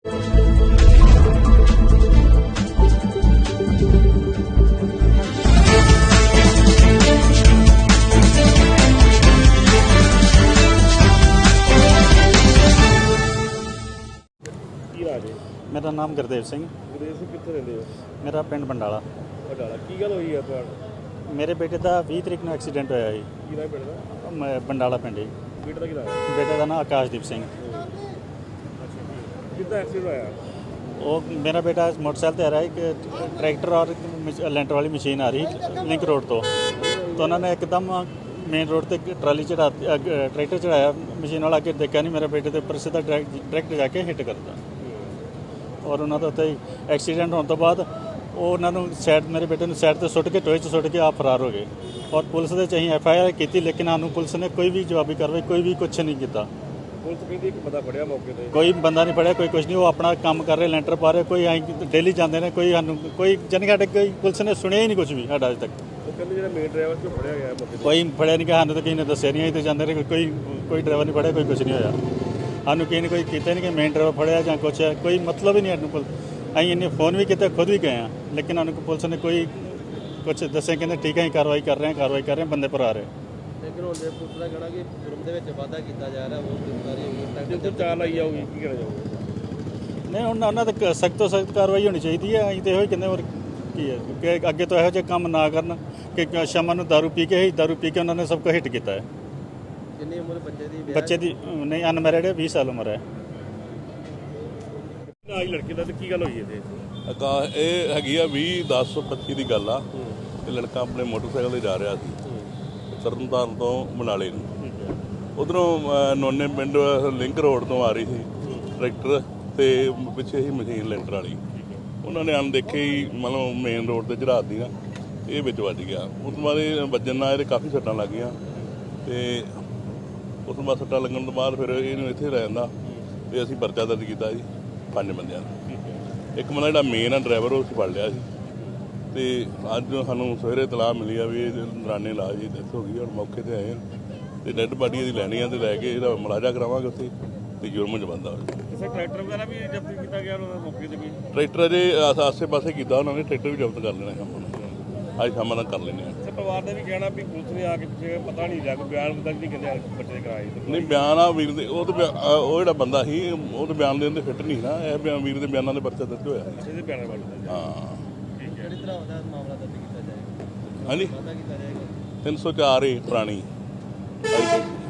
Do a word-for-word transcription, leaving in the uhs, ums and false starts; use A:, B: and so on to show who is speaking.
A: मेरा नाम गुरदेव सिंह।
B: गुरदेव सिंह कित्थे रहिंदे हो?
A: मेरा पिंड बंडाला।
B: बंडाला की गल होई है तुहाडा?
A: मेरे बेटे का बीस तरीक ਨੂੰ ਐਕਸੀਡੈਂਟ ਹੋਇਆ ਜੀ।
B: ਕੀ ਨਾਮ ਪਿੰਡ ਦਾ?
A: ਮੈਂ ਬੰਡਾਲਾ ਪਿੰਡ ਜੀ।
B: ਬੇਟੇ ਦਾ ਕੀ ਨਾਮ ਹੈ?
A: ਬੇਟੇ ਦਾ ਨਾਮ ਆਕਾਸ਼ਦੀਪ ਸਿੰਘ।
B: ਕਿੱਦਾਂ ਐਕਸੀਡੈਂਟ ਹੋਇਆ?
A: ਉਹ ਮੇਰਾ ਬੇਟਾ मोटरसाइकिल ਤੇ आ रहा है कि ट्रैक्टर और ਲੈਂਟਰ वाली मशीन आ रही लिंक रोड तो तो उन्होंने एकदम मेन रोड ਤੇ ट्राली चढ़ा ट्रैक्टर चढ़ाया मशीन वाला अगे देखा नहीं मेरे बेटे ਦੇ ਉੱਪਰ ਸਿੱਧਾ ਡਾਇਰੈਕਟ ਜਾ ਕੇ ਹਿੱਟ ਕਰਤਾ ਔਰ ਉਹਨਾਂ ਦਾ ਉੱਤੇ ਐਕਸੀਡੈਂਟ ਹੋਣ ਤੋਂ ਬਾਅਦ ਉਹ ਉਹਨਾਂ ਨੂੰ ਸਾਈਡ ਮੇਰੇ ਬੇਟੇ ਨੂੰ ਸਾਈਡ 'ਤੇ ਸੁੱਟ ਕੇ ਟੋਏ 'ਚ ਸੁੱਟ ਕੇ ਆਪ ਫਰਾਰ ਹੋ ਗਏ ਔਰ ਪੁਲਿਸ ਦੇ 'ਚ ਅਸੀਂ ਐਫ ਆਈ ਆਰ ਕੀਤੀ ਲੇਕਿਨ ਸਾਨੂੰ ਪੁਲਿਸ ਨੇ ਕੋਈ ਵੀ ਜਵਾਬੀ ਕਾਰਵਾਈ ਕੋਈ ਵੀ ਕੁਛ ਨਹੀਂ ਕੀਤਾ।
B: ਪੁਲਿਸ ਕਹਿੰਦੀ ਇੱਕ ਬੰਦਾ ਫੜਿਆ ਮੌਕੇ ਤੇ,
A: ਕੋਈ ਬੰਦਾ ਨਹੀਂ ਫੜਿਆ, ਕੋਈ ਕੁਛ ਨਹੀਂ। ਉਹ ਆਪਣਾ ਕੰਮ ਕਰ ਰਹੇ ਲੈਂਟਰ ਪਾ ਰਹੇ, ਕੋਈ ਅਸੀਂ ਡੇਲੀ ਜਾਂਦੇ ਨੇ, ਕੋਈ ਸਾਨੂੰ ਕੋਈ ਜਾਣੀ ਸਾਡੇ ਕੋਈ ਪੁਲਿਸ ਨੇ ਸੁਣਿਆ ਹੀ ਨਹੀਂ ਕੁਛ ਵੀ ਸਾਡਾ ਅੱਜ ਤੱਕ।
B: ਉਹ ਕਹਿੰਦੇ ਜਿਹੜਾ ਮੇਨ ਡਰਾਈਵਰ ਸੀ ਉਹ ਫੜਿਆ ਗਿਆ ਮੌਕੇ ਤੇ,
A: ਕੋਈ ਫੜਿਆ ਨਹੀਂ ਕਿ ਸਾਨੂੰ ਤਾਂ ਕਿਸੇ ਨੇ ਦੱਸਿਆ ਨਹੀਂ। ਅਸੀਂ ਤਾਂ ਜਾਂਦੇ ਰਹੇ, ਕੋਈ ਕੋਈ ਡਰਾਈਵਰ ਨਹੀਂ ਫੜਿਆ, ਕੋਈ ਕੁਛ ਨਹੀਂ ਹੋਇਆ ਸਾਨੂੰ। ਕਿਸੇ ਨੇ ਕੋਈ ਕੀਤਾ ਨਹੀਂ ਕਿ ਮੇਨ ਡਰਾਈਵਰ ਫੜਿਆ ਜਾਂ ਕੁਛ ਹੈ, ਕੋਈ ਮਤਲਬ ਹੀ ਨਹੀਂ ਸਾਨੂੰ ਕੋਲ। ਅਸੀਂ ਇੰਨੇ ਫੋਨ ਵੀ ਕੀਤੇ, ਖੁਦ ਵੀ ਗਏ ਹਾਂ, ਲੇਕਿਨ ਸਾਨੂੰ ਪੁਲਿਸ ਨੇ ਕੋਈ ਕੁਛ ਦੱਸਿਆ। ਕਹਿੰਦੇ ਠੀਕ ਹੈ ਅਸੀਂ ਕਾਰਵਾਈ ਕਰ ਰਹੇ ਹਾਂ, ਕਾਰਵਾਈ ਕਰ ਰਹੇ ਹਾਂ, ਬੰਦੇ ਪਰ ਆ ਰਹੇ।
C: ਲੇਕਿਨ ਹੁਣ ਪੁਲਿਸ ਦਾ ਕਹਿਣਾ ਕਿ ਜੁਰਮ ਦੇ ਵਿੱਚ ਵਾਧਾ ਕੀਤਾ ਜਾ ਰਿਹਾ, ਉਹ ਗ੍ਰਿਫਤਾਰੀ ਹੋਈ,
B: ਜੇ ਚਾਲ ਲਾਈ ਜਾਊਗੀ ਕੀ ਕਹਿਣਾ ਚਾਹੋਗੇ?
A: ਨਹੀਂ ਹੁਣ ਉਹਨਾਂ ਤੇ ਸਖਤ ਤੋਂ ਸਖਤ ਕਾਰਵਾਈ ਹੋਣੀ ਚਾਹੀਦੀ ਹੈ। ਅਸੀਂ ਤਾਂ ਇਹੋ ਹੀ ਕਹਿੰਦੇ ਹੋਰ ਕੀ ਹੈ ਕਿ ਅੱਗੇ ਤੋਂ ਇਹੋ ਜਿਹੇ ਕੰਮ ਨਾ ਕਰਨ ਕਿ ਸ਼ਾਮਾਂ ਨੂੰ ਦਾਰੂ ਪੀ ਕੇ ਹੀ ਦਾਰੂ ਪੀ ਕੇ ਉਹਨਾਂ ਨੇ ਸਭ ਕੁਝ ਹਿੱਟ ਕੀਤਾ ਹੈ।
C: ਕਿੰਨੀ ਉਮਰ ਬੱਚੇ ਦੀ?
A: ਬੱਚੇ ਦੀ ਨਹੀਂ ਅਨਮੈਰਿਡ ਹੈ, ਵੀਹ ਸਾਲ ਉਮਰ ਹੈ।
B: ਆਹ ਲੜਕੇ ਦਾ ਤੇ ਕੀ ਗੱਲ ਹੋਈ ਇਹਦੇ?
D: ਆਕਾਸ਼ ਇਹ ਹੈਗੀ ਆ ਵੀਹ ਦਸ ਪੱਚੀ ਦੀ ਗੱਲ ਆ। ਇਹ ਲੜਕਾ ਆਪਣੇ ਮੋਟਰਸਾਈਕਲ 'ਤੇ ਜਾ ਰਿਹਾ ਸੀ ਤਰਨਤਾਰਨ ਤੋਂ ਬਨਾਲੇ ਨੂੰ। ਉਧਰੋਂ ਨੋਨੇ ਪਿੰਡ ਲਿੰਕ ਰੋਡ ਤੋਂ ਆ ਰਹੀ ਸੀ ਟਰੈਕਟਰ ਤੇ ਪਿੱਛੇ ਹੀ ਮਸ਼ੀਨ ਲੈਂਟਰ ਵਾਲੀ। ਉਹਨਾਂ ਨੇ ਅਣਦੇਖੇ ਹੀ ਮਤਲਬ ਮੇਨ ਰੋਡ 'ਤੇ ਚੜ੍ਹਾਤੀ ਨਾ, ਇਹ ਵਿੱਚ ਵੱਜ ਗਿਆ। ਉਸ ਤੋਂ ਬਾਅਦ ਇਹ ਵੱਜਣ ਨਾਲ ਇਹਦੇ ਕਾਫੀ ਸੱਟਾਂ ਲੱਗ ਗਈਆਂ ਤੇ ਉਸ ਤੋਂ ਬਾਅਦ ਸੱਟਾਂ ਲੱਗਣ ਤੋਂ ਬਾਅਦ ਫਿਰ ਇਹਨੂੰ ਇੱਥੇ ਰਹਿ ਜਾਂਦਾ ਤੇ ਅਸੀਂ ਪਰਚਾ ਦਰਜ ਕੀਤਾ ਜੀ ਪੰਜ ਬੰਦਿਆਂ ਦਾ। ਇੱਕ ਬੰਦਾ ਜਿਹੜਾ ਮੇਨ ਆ ਡਰਾਈਵਰ ਉਹ ਫੜ ਲਿਆ ਸੀ ਤੇ ਅੱਜ ਸਾਨੂੰ ਸਵੇਰੇ ਇਤਲਾਹ ਮਿਲੀ ਆ ਵੀ ਇਹ ਦੌਰਾਨੇ ਇਲਾਜ ਦੀ ਡੈਥ ਹੋ ਗਈ। ਹੁਣ ਮੌਕੇ 'ਤੇ ਆਏ ਤੇ ਡੈੱਡ ਬਾਡੀ ਇਹਦੀ ਲੈਣੀ ਆ ਤੇ ਲੈ ਕੇ ਇਹਦਾ ਮੁਲਾਜ਼ਾ ਕਰਾਵਾਂਗੇ ਉੱਥੇ ਤੇ ਜੁਰਮ 'ਚ ਬੰਦਾ ਹੋਵੇ।
B: ਕਿਸੇ ਟਰੈਕਟਰ ਵਗੈਰਾ ਵੀ ਜ਼ਬਤ ਕੀਤਾ ਗਿਆ ਉਹਨਾਂ ਮੌਕੇ 'ਤੇ? ਵੀ
D: ਟਰੈਕਟਰ ਅਜੇ ਆਸੇ ਪਾਸੇ ਕੀਤਾ ਉਹਨਾਂ ਨੇ, ਟਰੈਕਟਰ ਵੀ ਜ਼ਬਤ ਕਰ ਲੈਣਾ ਕੰਮ ਨੂੰ, ਅੱਜ ਸ਼ਾਮਾਂ ਤੱਕ ਕਰ ਲੈਂਦੇ ਆ।
B: ਤੇ ਪਰਿਵਾਰ ਨੇ ਵੀ ਕਹਿਣਾ ਵੀ ਪੁਲਿਸ ਨੇ ਆ ਕੇ ਪਿੱਛੇ ਪਤਾ ਨਹੀਂ ਲੱਗ ਬਿਆਨ ਤੱਕ ਨਹੀਂ ਕਹਿੰਦੇ ਬੱਚੇ ਦੇ ਕਰਾਏ।
D: ਨਹੀਂ ਬਿਆਨ ਆ ਵੀਰ ਦੇ ਉਹ ਤਾਂ ਉਹ ਜਿਹੜਾ ਬੰਦਾ ਸੀ ਉਹ ਤਾਂ ਬਿਆਨ ਦੇਣ ਦੇ ਫਿੱਟ ਨਹੀਂ ਨਾ। ਇਹ ਬਿਆਨ ਵੀਰ ਦੇ ਬਿਆਨਾਂ ਦੇ ਪਰਚਾ ਦਰਜ ਹੋਇਆ
B: ਇਹਦੇ ਬਿਆਨਾਂ ਵਾਲੇ
D: ਹਾਂ।
C: ਕਿਹੜੀ ਤਰ੍ਹਾਂ ਦਾ ਮਾਮਲਾ ਦਰਜ ਕੀਤਾ ਜਾਏਗਾ?
D: ਹਾਂਜੀ
C: ਵਾਧਾ ਕੀਤਾ ਜਾਏਗਾ
D: ਤਿੰਨ ਸੌ ਚਾਰ ਏ ਪੁਰਾਣੀ